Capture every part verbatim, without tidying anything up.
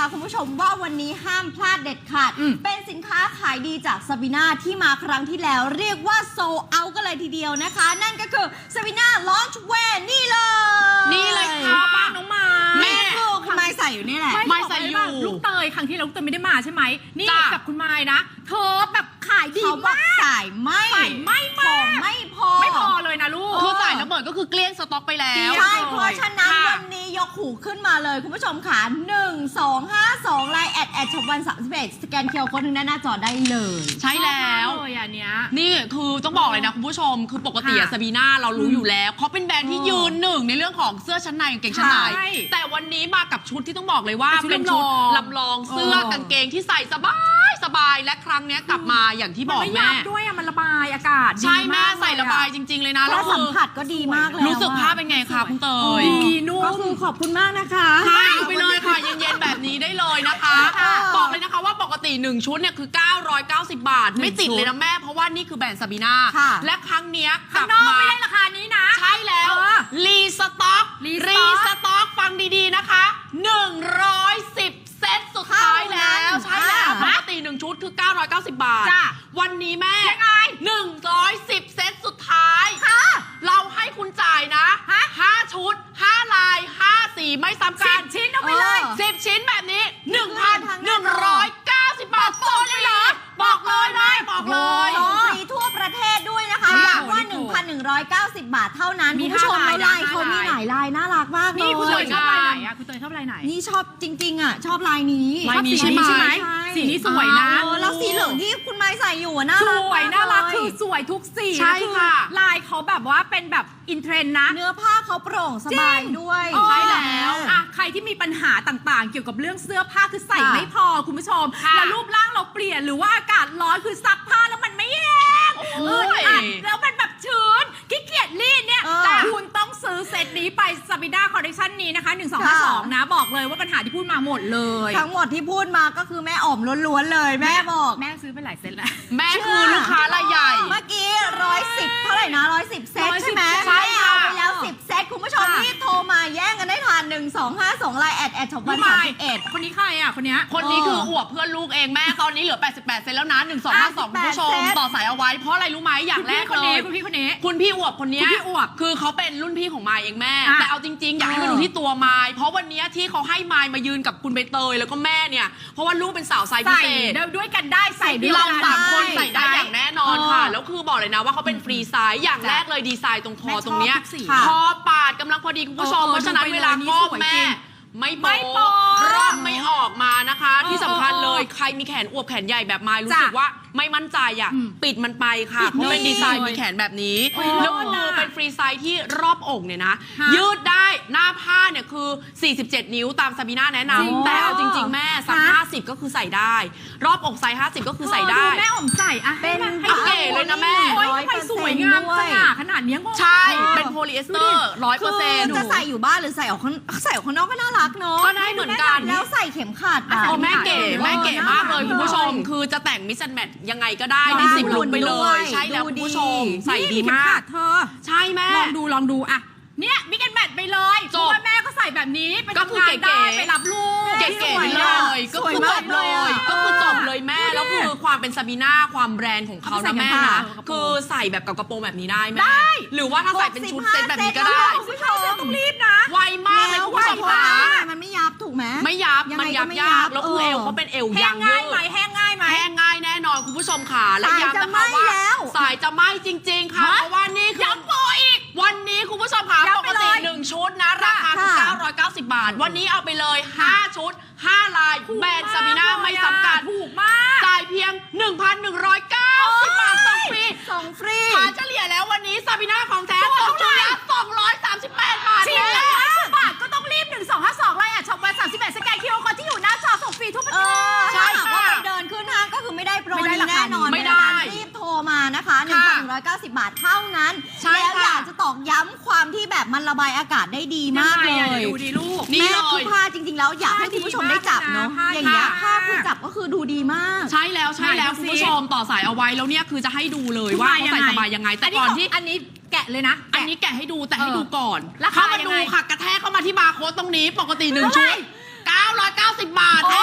นะคะคุณผู้ชมว่าวันนี้ห้ามพลาดเด็ดขาดเป็นสินค้าขายดีจากซาบีนาที่มาครั้งที่แล้วเรียกว่าโซเอากันเลยทีเดียวนะคะนั่นก็คือซาบีนาลอนช์แวร์นี่เลยนี่เลยค่ะบ้านน้องไม้แม่คือคุณไม้ใส่อยู่นี่แหละไม้ใส่อยู่ลูกเตยครั้งที่แล้วลูกเตยไม่ได้มาใช่ไหมนี่กับคุณไม้นะเธอแบบขายดีมากใส่ไม่ใส่ไม่ของไม่พอไม่พอเลยนะลูกคือใส่แล้วเหมือนก็คือเกลี้ยงสต็อกไปแล้วใช่เพราะฉะนั้นวันนี้ยกหูขึ้นมาเลยคุณผู้ชมค่ะหนึ่ง สอง ห้า สองไลน์แอดแอดช็อปวันสามสิบเอ็ดสแกนเคอร์โค้ดหน้าจอได้เลยใช่แล้วเลยอันเนี้ยนี่คือต้องบอกเลยนะคุณผู้ชมคือปกติซาบีนาเรารู้อยู่แล้วเขาเป็นแบรนด์ที่ยืนหนึ่งในเรื่องของเสื้อชั้นในกางเกงชั้นในแต่วันนี้มากับชุดที่ต้องบอกเลยว่าเป็นชุดลำลองเสื้อกางเกงที่ใส่สบายสบายและครั้งนี้กลับมาอย่างที่บอกแม่ด้วยอ่ะมันระบายอากาศใช่แม่ใส่ระบายจริงๆเลยนะแล้วสัมผัสก็ดีมากเลยรู้สึกภาพเป็นไงคะคุณเตยดีนุ่มก็คือขอบคุณมากนะคะให้ไปเลยค่ะเย็นๆแบบนี้ได้เลยนะคะบอกเลยนะคะว่าปกติหนึ่งชุดเนี่ยคือเก้าร้อยเก้าสิบบาทไม่ติดเลยนะแม่เพราะว่านี่คือแบรนด์ซาบีนาและครั้งนี้กลับมาไม่ได้ราคานี้นะใช่แล้วรีสต็อกรีสต็อกฟังดีๆนะคะหนึ่งร้อยสิบเซตสุดท้ายแล้วใช่แล้วปกติหนึ่งชุดคือเก้าร้อยเก้าสิบบาทวันนี้แม่หนึ่งร้อยสิบเซตสุดท้ายเราให้คุณจ่ายนะห้าชุดห้าลายห้าสีไม่ซ้ำกันสิบชิ้นเอาไปเลยสิบชิ้นแบบนี้ หนึ่งพันหนึ่งร้อยเก้าสิบบาทส่งเลยเหรอบอกเลยแม่บอกเลยส่งฟรีทั่วประเทศด้วยนะคะย้ำว่า หนึ่งพันหนึ่งร้อยเก้าสิบบาทเท่านั้นคุณผู้ชมไม่ได้เขามีหลายลายน่ารักมากเลยนี่คุณเตยชอบลายไหนอ่ะคุณเตยชอบลายไหนนี่ชอบจริงๆอ่ะชอบลายนี้ลายนี้ใช่ไหมสีนี้สวยนะแล้วสีเหลืองที่คุณไม้ใส่อยู่น่ารักสวยน่ารักคือสวยทุกสีใช่ค่ะลายเขาแบบว่าเป็นแบบอินเทรนด์นะเนื้อผ้าเขาโปร่งสบายด้วยใช่แล้วอ่ะใครที่มีปัญหาต่างๆเกี่ยวกับเรื่องเสื้อผ้าคือใส่ไม่พอคุณผู้ชมแล้วรูปร่างเราเปลี่ยนหรือว่าอากาศร้อนคือซักผ้าแล้วมันไม่แห้งแล้วมันแบบชื้นขี้เกียจรีดเนี่ยแต่คุณต้องซื้อเซตนี้ไปซาบิด้าคอลเลคชันนี้นะคะหนึ่ง สอง ห้า สองนะบอกเลยว่าปัญหาที่พูดมาหมดเลยทั้งหมดที่พูดมาก็คือแม่อ๋อมล้วนๆเลยแม่บอกแม่ซื้อไปหลายเซตแล้วแม่คือลูกค้ารายใหญ่เมื่อกี้ร้อยสิบเท่าไหร่นะร้อยสิบเซตใช่ไหมใช่เอาไปแล้วสิบเซตคุณผู้ชมรีบโทรมาแย่งกันได้ทันหนึ่ง สอง ห้า สองไลน์แอดแอดช็อปวันสามสิบเอ็ดคนนี้ใครอ่ะคนนี้คนนี้คืออวบเพื่อนลูกเองแม่ตอนนี้เหลือแปดสิบแปดเซตแล้วนะหนึ่ง สอง ห้า สองคุณผู้ชมต่อสายเอาไว้เพราะอะไรรู้ไหมอย่างแรกเลยคุณพี่คนนี้คุณพี่อวบคนนี้คุณพี่อวบคือเขาเป็นรุ่นพี่ของมายเองแม่แต่เอาจริงๆอยากให้มาดูที่ตัวมายเพราะวันนี้ที่เขาให้มายมายืนกับคุณใบเตยแล้วก็แม่เนี่ยเพราะว่าลูกเป็นสาวไซส์พิเศษด้วยกันได้ใส่เราสามคนใส่ได้อย่างแน่นอนค่ะแล้วคือบอกเลยนะว่าเขาเป็นฟรีไซส์อย่างแรกเลยดีไซน์ตรงคอตรงเนี้ยคอปาดกำลังพอดีคุณผู้ชมเพราะฉะนั้นเวลาก้มแม่ไม่โป๊ะรอบไม่ออกมานะคะที่สำคัญเลยใครมีแขนอวบแขนใหญ่แบบมายรู้สึกว่าไม่มั่นใจอ่ะปิดมันไปค่ะเพราะเป็นดีไซน์มีแขนแบบนี้แล้วคือเป็นฟรีไซส์ที่รอบอกเนี่ยนะยืดได้หน้าผ้าเนี่ยคือสี่สิบเจ็ดนิ้วตามซาบีน่าแนะนำแต่เอาจริงๆแม่สักห้าสิบก็คือใส่ได้รอบอกไซส์ห้าสิบก็คือใส่ได้แม่อมใส่อะเป็นเก๋เลยนะแม่โอ้ยทำไมสวยงามสง่าขนาดนี้งงใช่เป็นโพลีเอสเตอร์ร้อยเปอร์เซ็นต์จะใส่อยู่บ้านหรือใส่ออกข้างใส่ออกข้างนอกก็น่ารักเนาะก็ได้เหมือนกันแล้วใส่เข็มขัดโอ้แม่เก๋แม่เก๋มากเลยคุณผู้ชมคือจะแต่งมิสแมทยังไงก็ได้ได้สิบลุคไปเลยใช่แล้วคุณผู้ชมใส่ดีมากเธอใช่แม่ลองดูลองดูอะเนี่ยมิกันแบทไปเลยเพราะว่าแม่ก็ใส่แบบนี้ไปทำงานได้ไปรับลูกเก๋ๆไปเลยก็คือจบเลยก็คือจบเลยแม่แล้วคือความเป็นซาบีน่าความแบรนด์ของเขานะแม่นะคือใส่แบบกับกระโปรงแบบนี้ได้แม่หรือว่าถ้าใส่เป็นชุดเซ็ตแบบนี้ก็ได้ผู้ชายต้องรีบนะไวมากเลยคุณผู้ชมค่ะมันไม่ยับถูกไหมไม่ยับมันยับยากแล้วคือเอวเขาเป็นเอวยางยืดแห้งง่ายไหมแห้งง่ายแน่นอนคุณผู้ชมค่ะและย้ำนะคะว่าสายจะไหม้จริงๆค่ะเพราะว่านี่คือย้ำโปรอีกวันนี้คุณผู้ชมค่ะปกติหนึ่งชุดนะราคาคือเก้าร้อยเก้าสิบบาทวันนี้เอาไปเลยห้าชุดห้าลายแบรนด์ซาบีน่าไม่จำกัดถูกมากจ่ายเพียง หนึ่งพันหนึ่งร้อยเก้าสิบบาทส่งฟรีส่งฟรีหาเฉลี่ยแล้ววันนี้ซาบีน่าของแท้ตกชุดละสองร้อยสามสิบแปดบาทชิ้นละห้าสิบบาทก็ต้องรีบหนึ่ง สอง ห้า สองไลน์อะช็อปวันสามสิบเอ็ดสแกนคิวอาร์ ที่อยู่หน้าจอส่งฟรีทุกประเทศใช่ค่ะเดินขึ้นห้างก็คือไม่ได้โปรนี้แน่นอนไม่ได้รีบโทรมานะคะหนึ่งพันหนึ่งร้อยเก้าสิบบาทเท่านั้นแล้วอยากจะตอกย้ำความที่แบบมันระบายอากาศได้ดีมากเลยดูดีลูกแม่คือผ้าจริงๆแล้วอยากให้คุณผู้ชมได้จับเนาะอย่างเงี้ยผ้าคือจับก็คือดูดีมากใช่แล้วใช่แล้วคุณผู้ชมต่อสายเอาไว้แล้วเนี่ยคือจะให้ดูเลยว่าเขาใส่สบายยังไงแต่ก่อนที่อันนี้แกะเลยนะอันนี้แกะให้ดูแต่ให้ดูก่อนเข้ามาดูค่ะกระแทกเข้ามาที่บาร์โค้ดตรงนี้ปกติหนึ่งชุดเก้าร้อยเก้าสิบบาทแท้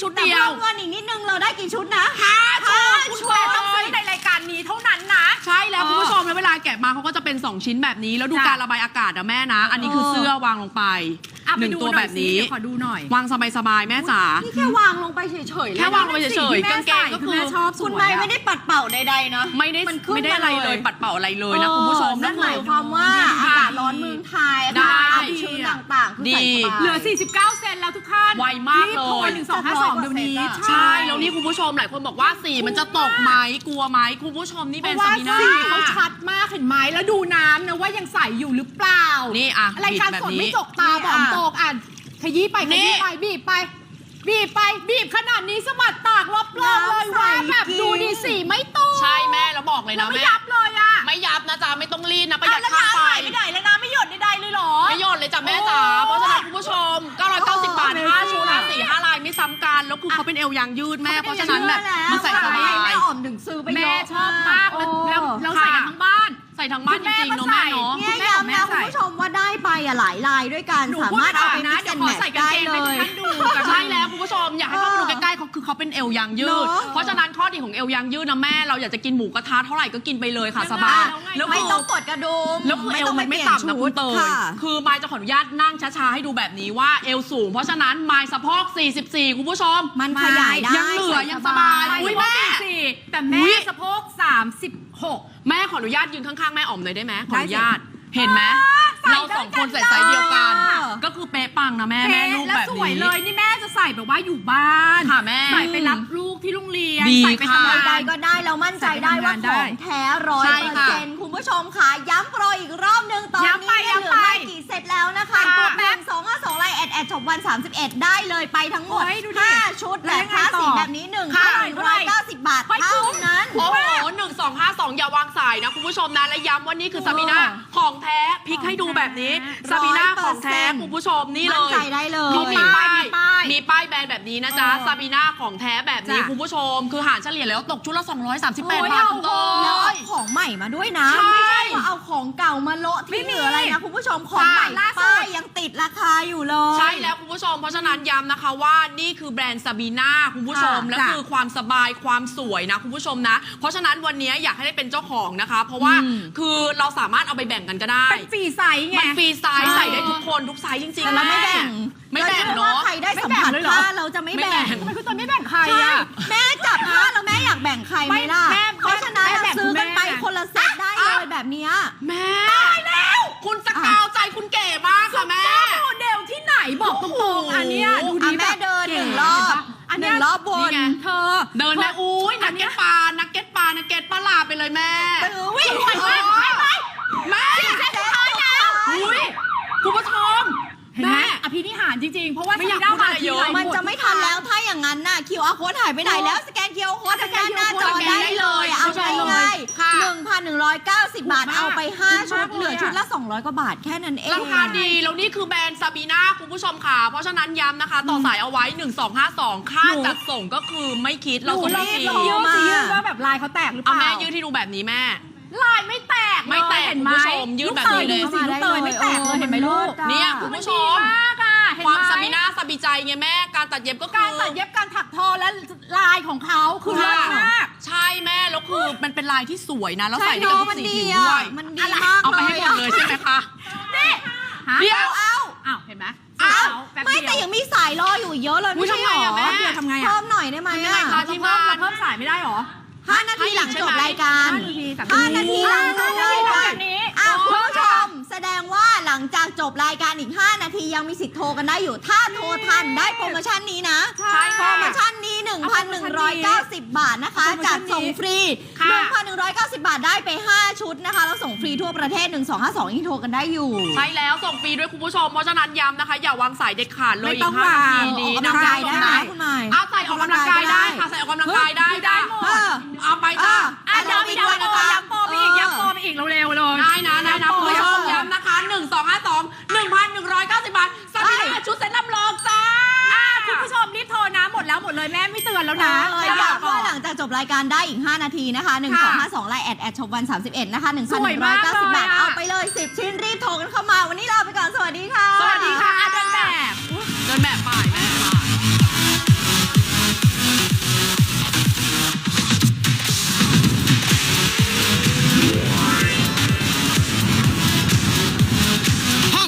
ชุดแต่เดียเพิ่วมเงินอีกนิดนึงเราได้กี่ชุดนะห้าชุดคุณแต่ต้องซื้อในรายการนี้เท่านั้นนะใช่แล้วคุณผู้ชมแล้วเวลาแกะมาเขาก็จะเป็นสองชิ้นแบบนี้แล้วดูจ้ะการระบายอากาศนะแม่นะ อันนี้คือเออเสื้อวางลงไปอ่ะหนึ่งไปดูตัวหน่แบอยบสินี้เดี๋ยวขอดูหน่อยวางสบายๆแม่จ๋านี่แค่วางลงไปเฉยๆเลยแค่วางลงไปเฉยๆแม่กางเกงก็ใส่คือแม่ชอบสวยคุณไม่ไม่ได้ปัดเป่าใดๆนะไม่ได้มันขึ้นไม่ได้อะไรมาเลเลย ยปัดเป่าอะไรเลยนะคุณผู้ชมนั่นหมายคือความว่าดีอากาศร้อนเมืองไทยได้เอาชุดต่างๆคือใส่สบายเหลือ สี่สิบเก้า เซนแล้วทุกท่านไวมากรีบโทรเลยหนึ่งสองห้าสองเดี๋ยวนี้ใช่ แล้วนี่คุณผู้ชมหลายคนบอกว่าสีมันจะตกไหมกลัวไหมคุณผู้ชมนี่เพเป็นราะซาว่าบีน่าสีเขาชัดมากเห็นไหมแล้วดูน้ำนะว่ายังใสอยู่หรือเปล่านี่อ่ะรายการบีบแบบสดนี้ไม่จกตาบอกอ่ะโตกอ่านขยี้ไปขนี่ยี้ไปบีบไป บีบไปบีบขนาดนี้สะบัดตากรอบๆเลยว่าแบบดูดีสีไม่ตกใช่แม่แล้วบอกเลยแล้นะวไม่แม่ยับเลยอ่ะไม่ยับนะจ๊ะไม่ต้องรีดนะประหยัดแล้วค่าน้ำไฟไหลไม่ได้แล้วน้ำไม่หยดใดๆเลยเหรอไม่หยดเลยจ้ะแม่จ๋าเพราะฉะนั้นคุณผู้ชมเก้าร้อยเก้าสิบบาทห้าชุดนะสี่ห้าลายไม่ซ้ำกันแล้วคือเขาเป็นเอวยางยืดแม่เพราะฉะนั้นแบบมันใส่สบายแม่อ่อมถึงซื้อไปเยแม่อะชอบมากแล้วแล้วเราใส่กันทั้งบ้านใส่ทั้งบ้านจริงๆเนาะแม่เนาะเนี่ยคุณแม่ของแม่ย้ำนะใส่คุณผู้ชมว่าได้ไปอ่ะหลายลายด้วยกันหนูสาพูดมารถเอาไปนะมิกเดี๋ยวซ์ขอแมทใส่กางได้เกงเลให้ทุกยท่านดูกันใช่แล้วคุณผู้ชมอยากให้เข้ามาดูใกล้ๆเขาคือเขาเป็นเอวยางยืดเนอะเพราะฉะนั้นข้อดีของเอวยางยืดนะแม่เราอยากจะกินหมูกระทะเท่าไหร่ก็กินไปเลยค่ะยังไงสบายแล้วไงแล้วไม่คือต้องกดกระดุมแล้วคือเอวมันไม่ปลี่ยต่ำนะคุณเตยค่ะคือมายจะขออนุญาตนั่งช้าๆให้ดูแบบนี้ว่าเอวสูง เพราะฉะนั้นมายสะโพกสี่สิบสี่คุณผู้ชมมันขยายได้ยังเหลือยังสบายใส่อุ๊ยสะโพกแม่สี่แต่อุ๊แม่ยสะโพกสามสิบหกแม่ขออนุญาตยืนข้างๆแม่อ๋อมหน่อยได้ไหมขอได้อสินุญาตเห็นไหมใส่เราสองคนใส่ไซส์เดียวกันได้ก็คือเป๊ะปังนะแม่แม่ลูกแล้วแบบสวยนี้เลยนี่แม่จะใส่แบบว่าอยู่บ้านค่ะแม่ใส่ไปรับลูกที่โรงเรียนดีใส่ไปค่ะทำงานใดๆก็ได้เรามั่นใจได้ว่าของแท้ร้อยใช่เปอร์ค่ะเซ็นต์คุณผู้ชมค่ะย้ำโปรอีกรอบหนึงตอนย้ำนี้ไปเนี่ยเหลือย้ำไปไม่กี่เซตแล้วนะคะค่ะตัวแบงสองห้าสองไลน์แอดแอดช็อปวันสามสิบเอ็ดได้เลยไปทั้งหมดโอ้ยดูดิห้าชุดแล้แบวบยังคไงลาสต่อสิกแบบนี้หนึ่งค่ะพันหนึ่งร้อยเก้าสิบบาทเฮ้ยเท่าคุ้มนั้นโอ้โหหนึ่งสองห้าสองอย่าวางสายนะคุณผู้ชมนะและย้ำว่านี่คือซาบีน่าของแท้พลิกให้ดูแบบนี้ซาบีน่าของแท้คุณผู้ชมนี่เลมั่นยใจได้เลยเขามีป้ายมีป้ายมีป้ายแบรนด์แบบนี้นะจ๊ะเออซาบีน่าของแท้แบบนี้จ้ะคุณผู้ชม คือหารเฉลี่ยแล้วตกชุดละสองร้อยสามสิบแปดโอ้ยบาทเอาคุณโตแล้วยเอาของใหม่มาด้วยนะใช่ไม่ใช่ว่าเอาของเก่ามาโละไม่ที่มีเหลืออะไรนะคุณผู้ชมของใหม่ล่าสุดป้ายยังติดราคาอยู่เลยใช่แล้วคุณผู้ชม เพราะฉะนั้นย้ำนะคะว่านี่คือแบรนด์ซาบีน่าคุณผู้ชมค่ะและจ้ะคือความสบายความสวยนะคุณผู้ชมนะ เพราะฉะนั้นวันนี้อยากให้ได้เป็นเจ้าของนะคะ เพราะว่าอืมคือเราสามารถเอาไปแบ่งกันก็ได้เป็นฟรีไซส์ไงมันฟรีไซส์ใช่ใส่ได้ทุกคนทุกไซส์จริงๆแต่เราไม่แบ่งไม่แบ่งรเนาะว่าใครได้สัมผัสไม่แบ่งเลยเหรอผ้าเราจะไม่ไม่แบ่แบ่งงทำไมคุณตัวไม่แบ่งใครใช่อ่ะแม่จับผ้าแล้วแม่อยากแบ่งใครไหมล่ะไม่แม่เพราะฉะนั้นแม่แบ่งซื้อกันไปคุณแม่คนละเซตได้เลยแบบเนี้ยแม่ตายแล้ว คุณสกาวใจคุณเก๋มากค่ะแม่โมเดลที่ไหนบอกตรงๆอันเนี้ยดูอ่ะดีแม่แบบเดินหนึ่งก๋รอบเห็ปะอันหเนี้นึ่ยงรอบบนนี่ไงเธอเดินแม่อุ้ยนักเก็ตปลานักเก็ตปลานักเก็ตปลาลาไปเลยแม่ตื้อวิ่งไปไปไปไปแม่เซตสุดท้ายแล้วอุ้ยคุณผู้ชมเห็นไหมแม่อภินิหารจริงๆ เพราะว่าไม่อยากซีด้พูดอะไรเยอะทีรมันจะไม่ทันแล้วถ้าอย่างนั้นน่ะ คิว อาร์ code หายไปไหนแล้วสแกน คิว อาร์ code ทางด้านหน้าจอได้เลยเอาสแกนได้เลยง่ายค่ะๆหนึ่งพันหนึ่งร้อยเก้าสิบบาทถูกมากเอาไปห้าถูกชุมาดกเหลือเลยอะชุดละสองร้อยกว่าบาทแค่นั้นเองราคาดี แล้วนี่คือแบรนด์ซาบีน่าคุณผู้ชมค่ะ เพราะฉะนั้นย้ำนะคะ ต่อสายเอาไว้ หนึ่งสองห้าสอง ค่าหนูจัดส่งก็คือไม่คิดเราส่งหนูให้ฟรีลองยืดสิยืดว่าแบบลายเขาแตกหรือเปเอาล่าแม่ยืดที่ดูแบบนี้แม่ลายไม่แตกไม่แตกเห็นไหมคุณผู้ชมยืดแบบนี้เลยลูกเตยดูสิลูกเตยไม่แตกเลยเห็นไหมลูกเนี่ยคุณผู้ชมนดีมากอ่ะเห็นความไหมซาบีน่าซาบีใจไงแม่ การตัดเย็บก็คืการอตัดเย็บการถักทอและลายของเขาคือเลิศมากใช่แม่ แล้วคือมันเป็นลายที่สวยนะ แล้วใช่ใส่ได้กับเนาะทุกมันสีดีผิวอ่ะด้วยมันดีมากเอาไปเลให้ยหมดเลยใช่ไหมคะนี่ฮะเดี๋ยวเอาอ้าวเห็นไหมเอาแป๊บไม่เดีแต่ยวยังมีสายรออยู่อีกเยอะเลยอุ๊ไม่ยใช่ทำหไงรออะแม่เดี๋ยวทำไงอ่ะเพิ่มหน่อยได้ไหมทำยังไงอ่ะคะที่บ้านเพิ่มสายไม่ได้หรอห้านาทีหลังจบรายการห้านาทีสามห้านาทีหลังจบรายการแบบนี้อ่ะคุณผู้ชมแสดงว่าหลังจากจบรายการอีก ห้า นาทียังมีสิทธิ์โทรกันได้อยู่ ถ้าโทรทันได้โปรโมชั่นนี้นะใช่โปรโมชั่นนี้ หนึ่งพันหนึ่งร้อยเก้าสิบ บาทนะคะโปรโมชั่จันดนี้ส่งฟรีค่ะหนึ่งพันหนึ่งร้อยเก้าสิบ บาทได้ไป ห้า ชุดนะคะแล้วส่งฟรีทั่วประเทศหนึ่งสองห้าสองยังโทรกันได้อยู่ใช่แล้วส่งฟรีด้วยคุณผู้ชม เพราะฉะนั้นย้ำนะคะ อย่าวางสายเด็ดขาดเลยไม่อีต้องกห้านาทีวางนี้ออกนะกำลังกายคุณได้ผู้ชมนะไหมคุณหมายเอาใส่ออกกำลังกายได้ค่ะใส่ออกกำลังกายได้ได้ได้หมดเออเอาไปจ้าอ่ะอ่ะเดี๋ยวมีเดี๋ยวย้ำโปรย้ำโปรไปอีกย้ำโปรไปอีกเร็วๆเลยได้นะได้นะคุณผู้ชมเออย้ำนะคะหนึ่งสองห้าสองหนึ่งพันหนึ่งร้อยเก้าสิบบาทสามีนาชุดเซ็ตลำลองจ้าอ่ะคุณผู้ชมรีบโทรนะหมดแล้วหมดเลยแม่ไม่เตือนแล้วนะเออแต่ย้ำก่อว่าน หลังจากจบรายการได้อีก ห้า นาทีนะคะหนึ่งสองห้าสองไลน์แอดแอดช็อปวันสามสิบเอ็ดนะคะหนึ่งพันหนึ่งร้อยเก้าสิบบาทสวยมากเลยอะเอาไปเลยสิบชิ้นรีบโทรกันเข้ามาวันนี้ลาไปก่อนสวัสดีค่ะสวัสดีค่ะ